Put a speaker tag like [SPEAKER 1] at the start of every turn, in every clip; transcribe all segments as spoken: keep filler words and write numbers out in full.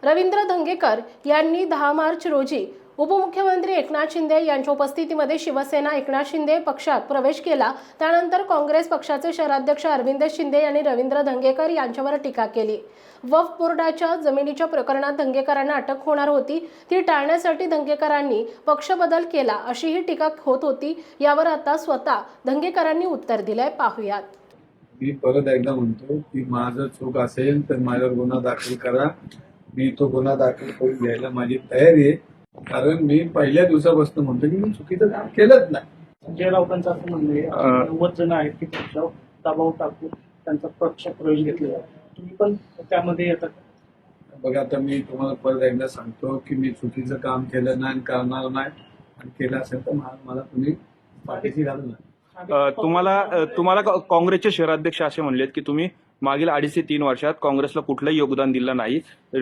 [SPEAKER 1] रवींद्र धंगेकर यांनी दहा मार्च रोजी उपमुख्यमंत्री एकनाथ शिंदे यांच्या उपस्थितीमध्ये शिवसेना एकनाथ शिंदे पक्षात प्रवेश केला। त्यानंतर काँग्रेस पक्षाचे शहराध्यक्ष अरविंद शिंदे यांनी रवींद्र धंगेकर यांच्यावर टीका केली। वक्फ बोर्डाच्या जमिनीच्या प्रकरणात धंगेकरांना अटक होणार होती, ती टाळण्यासाठी धंगेकरांनी पक्ष बदल केला अशीही टीका होत होती। यावर आता स्वतः धंगेकरांनी उत्तर दिलंय, पाहूयात।
[SPEAKER 2] मी परत एकदा म्हणतो की माझं चूक असेल तर माझ्यावर गुन्हा दाखल करा, मी तो गुन्हा दाखल करून घ्यायला माझी तयारी आहे। कारण मी पहिल्या दिवसापासून म्हणतो की मी चुकीचं काम केलंच नाही।
[SPEAKER 3] संजय राऊतांचं असं म्हणणं आहे नव्वद जण आहेत की पक्षावर दबाव टाकून त्यांचा पक्ष प्रवेश घेतलेला आहे, तुम्ही पण त्यामध्ये येतात?
[SPEAKER 2] बघा, आता मी तुम्हाला परत एकदा सांगतो की मी चुकीचं काम केलं नाही, करणार नाही, आणि केलं असेल तर मला तुम्ही पाठीशी घालू नका।
[SPEAKER 4] तुम्हाला तुम्हाला काँग्रेसचे शहराध्यक्ष असे म्हणलेत की तुम्ही मागील अडीच ते तीन वर्षात काँग्रेसला कुठलंही योगदान दिलं नाही,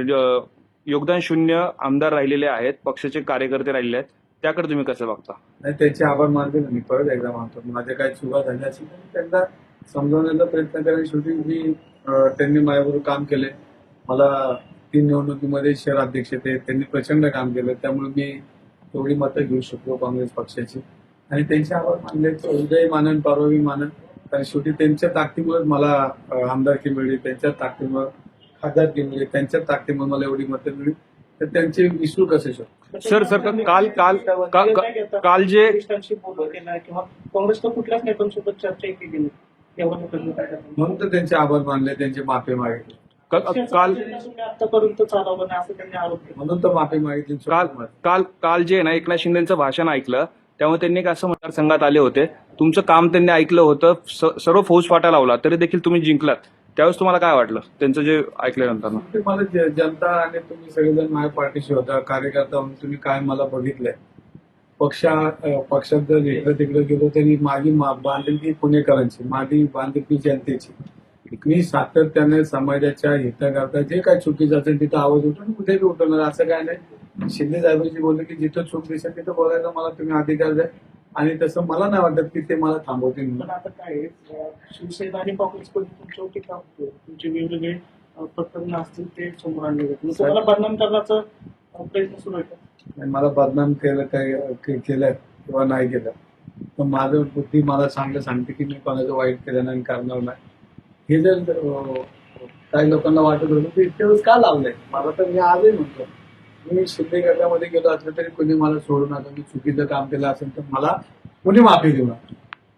[SPEAKER 4] योगदान शून्य आमदार राहिलेले आहेत, पक्षाचे कार्यकर्ते राहिले आहेत, त्याकडे तुम्ही कसं बघता? नाही,
[SPEAKER 2] त्याचे आभार मानते मी परत एकदा मानतो। माझ्या काही चुका झाल्या असेल तर त्यांना समजवण्याचा प्रयत्न करेन। शेवटी मी त्यांनी माझ्याबरोबर काम केले, मला तीन निवडणुकीमध्ये शहराध्यक्ष ते त्यांनी प्रचंड काम केलं, त्यामुळे मी तेवढी मतं घेऊ शकलो काँग्रेस पक्षाची, आणि त्यांचे आभार मानले। उद्याही मानन, परवाही मानन, कारण शेवटी त्यांच्या ताकदीमुळे मला आमदारकी मिळली, त्यांच्या ताकदीमुळे खासदारकी मिळली, त्यांच्या ताकदीमुळे मला एवढी मतं मिळली, तर त्यांचे विसरू कसे शकतो?
[SPEAKER 4] सर सर काल काल काल जे
[SPEAKER 3] किंवा काँग्रेसच्या कुठल्याच नेत्यांसोबत चर्चा केली नाही,
[SPEAKER 2] म्हणून तर त्यांचे आभार मानले, त्यांचे माफी मागितले।
[SPEAKER 4] काल
[SPEAKER 3] आतापर्यंत चालवलं नाही असं त्यांनी आरोप केला,
[SPEAKER 2] म्हणून तर माफी मागितली।
[SPEAKER 4] काल काल काल जे ना एकनाथ शिंदेचं भाषण ऐकलं, त्यामुळे त्यांनी एक असं मतदारसंघात आले होते, तुमचं काम त्यांनी ऐकलं होतं, सर्व फौजफाटा लावला तरी देखील तुम्ही जिंकलात, त्यावेळेस तुम्हाला काय वाटलं त्यांचं जे ऐकल्यानंतर?
[SPEAKER 2] मला जनता आणि तुम्ही सगळेजण माझ्या पाठीशी होता, कार्यकर्ता म्हणून तुम्ही काय मला बघितलंय। पक्षा पक्षात जर इकडे तिकडे गेलो तरी माझी बांधिलकी पुणेकरांची, माझी बांधिलकी जनतेची। मी सातत्याने समाजाच्या हिताकरता जे काय चुकीचं असेल तिथं आवाज उठून कुठे बी उठवणार, असं काय नाही। शिंदे साहेबांशी बोलले की जिथं चूक दिसेल तिथं बोलायला मला तुम्ही अधिकार द्या, आणि तसं मला नाही वाटत की ते मला थांबवतील।
[SPEAKER 3] पण आता काय शिवसेना आणि काँग्रेसकडून तुमच्यावर टीका होते, तुमचे वेगवेगळे प्रकरण असतील ते समोर आणले जातील, तुम्हाला बदनाम करण्याचा प्रयत्न सुरू आहे?
[SPEAKER 2] मला बदनाम केलं काय केलं किंवा नाही केलं तर माझं बुद्धी मला चांगलं सांगते की मी कोणाचं वाईट केलं नाही, करणार नाही। हे जर काही लोकांना वाटत होतं तर इतके दिवस का लावलंय मला, तर मी आजही म्हणतो मी शिंदे गटामध्ये गेलो असलं तरी कोणी मला सोडू नका, मी चुकीचं काम केलं असेल तर मला कोणी माफी देऊ नका।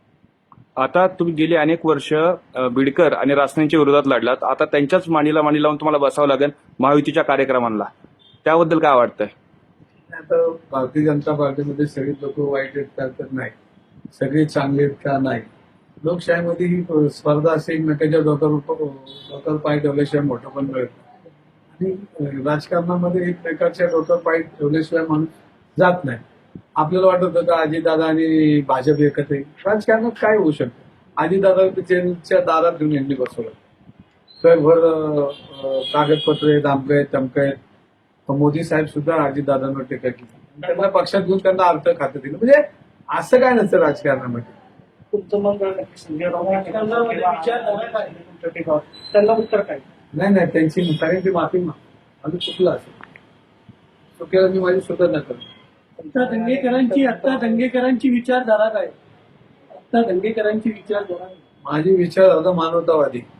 [SPEAKER 4] आता तुम्ही गेली अनेक वर्ष बिडकर आणि रासनेंच्या विरोधात लढलात, आता त्यांच्याच मांडीला मांडी लावून तुम्हाला बसावं लागेल महायुतीच्या कार्यक्रमांना, त्याबद्दल काय वाटतंय?
[SPEAKER 2] आता भारतीय जनता पार्टीमध्ये सगळी लोक वाईट आहेत का तर नाही, सगळे चांगले आहेत का नाही। लोकशाहीमध्ये ही स्पर्धा असे एकमेकांच्या डोक्यावर डोक्यावर पाय ठेवल्याशिवाय मोठं पण मिळत नाही, आणि राजकारणामध्ये एकमेकांच्या डोक्यावर पाय ठेवल्याशिवाय माणूस जात नाही। आपल्याला वाटत होतं का अजितदादा आणि भाजप एकत्र येईल, राजकारणात काय होऊ शकतं? अजितदादा जेलच्या दारात घेऊन यांनी बसवलं, जगभर कागदपत्र आहेत, आमकं आहेत, तमकं आहेत, मोदी साहेब सुद्धा अजितदादांवर टीका केली, त्यांना पक्षात घेऊन त्यांना अर्थ खातं दिलं। म्हणजे असं काय नसतं राजकारणामध्ये।
[SPEAKER 3] तुमचं मग संजय राऊत त्यांना उत्तर काय?
[SPEAKER 2] नाही नाही, त्यांची सगळ्यांची माफी माग, आम्ही चुकलं असेल, चुकीला मी माझी सुधारणा करतो।
[SPEAKER 3] आता दंगेकरांची आता दंगेकरांची विचारधारा काय? आता दंगेकरांची विचारधारा
[SPEAKER 2] माझी विचारधारा मानवतावादी।